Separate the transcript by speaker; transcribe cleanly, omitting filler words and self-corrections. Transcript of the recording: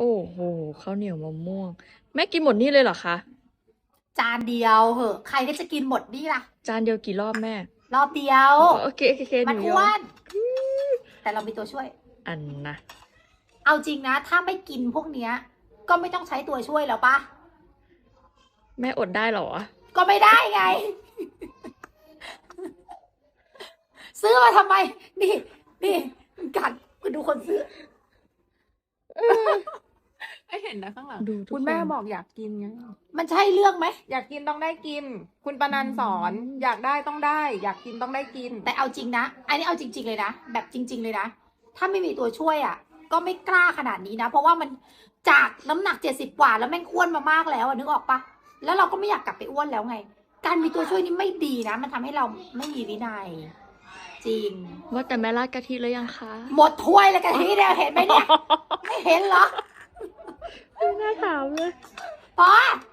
Speaker 1: โอ้โหข้าวเหนียวมะม่วง แม่กินหมดนี่เลยเหรอคะ
Speaker 2: จานเดียวเหอะใครก็จะกินหมดนี่ล่ะ
Speaker 1: จานเดียวกี่รอบแม่
Speaker 2: รอบเดียว
Speaker 1: โอเคโอเคห
Speaker 2: มัน
Speaker 1: นูย
Speaker 2: อ้
Speaker 1: อ
Speaker 2: ว
Speaker 1: ม
Speaker 2: น แต่เรามีตัวช่วย
Speaker 1: อันนะ
Speaker 2: เอาจริงนะ ถ้าไม่กินพวกเนี้ย ก็ไม่ต้องใช้ตัวช่วยแล้วปะ
Speaker 1: แม่อดได้เหรอ
Speaker 2: ก็ไม่ได้ไง ซื้อมาทำไม นี่กัดดูคนซื้อ
Speaker 3: ไม่เห็นนะข้างหลัง
Speaker 1: ดูทุก
Speaker 3: คุณแม่
Speaker 1: คน
Speaker 3: บอกอยากกินไง
Speaker 2: มันใช่เรื่องไหม
Speaker 3: อยากกินต้องได้กิน คุณปนันสอนอยากได้ต้องได้ อยากกินต้องได้กิน
Speaker 2: แต่เอาจริงนะ อันนี้เอาจริง ๆเลยนะ แบบจริง ๆเลยนะ ถ้าไม่มีตัวช่วยอ่ะ ก็ไม่กล้าขนาดนี้นะ เพราะว่ามันจากน้ำหนัก70กว่าแล้วแม่งอ้วนมามากแล้วอะนึกออกปะแล้วเราก็ไม่อยากกลับไปอ้วนแล้วไง การมีตัวช่วยนี่ไม่ดีนะ มันทำให้เราไม่มีวินัย จริง
Speaker 1: ว่าแต่แม่ราดกะทิแล้วยังคะ
Speaker 2: หมดถ้วยแล้วกันทีเดียวเห็นไหมเนี่ย ไม่เห็นเหรอ
Speaker 1: ไม่น่าถามเลย
Speaker 2: พอ